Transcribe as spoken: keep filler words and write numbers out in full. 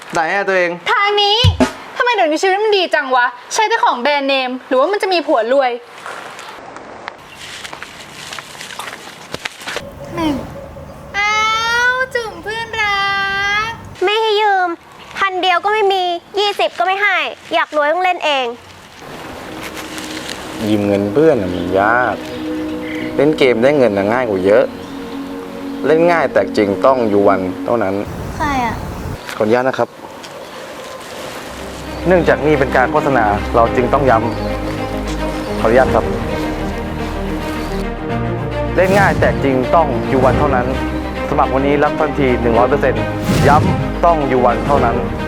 ไหนอะตัวเองทางนี้ทำไมเดี๋ยวนี้ชีวิตมันดีจังวะใช้แต่ของแบรนด์เนมหรือว่ามันจะมีผัวรวยแม่งอ้าวจุ่มเพื่อนรักไม่ให้ยืมพันเดียวก็ไม่มียี่สิบก็ไม่ให้อยากรวยต้องเล่นเองยืมเงินเพื่อนมันยากเล่นเกมได้เงินง่ายกว่าเยอะเล่นง่ายแต่จริงต้องอยู่วันเท่านั้นใครอ่ะขออนุญาตนะครับเนื่องจากนี่เป็นการโฆษณาเราจึงต้องย้ำขออนุญาตครับเล่นง่ายแต่จริงต้องอยู่วันเท่านั้นสมัครวันนี้รับทันที หนึ่งร้อยเปอร์เซ็นต์ ย้ำต้องอยู่วันเท่านั้น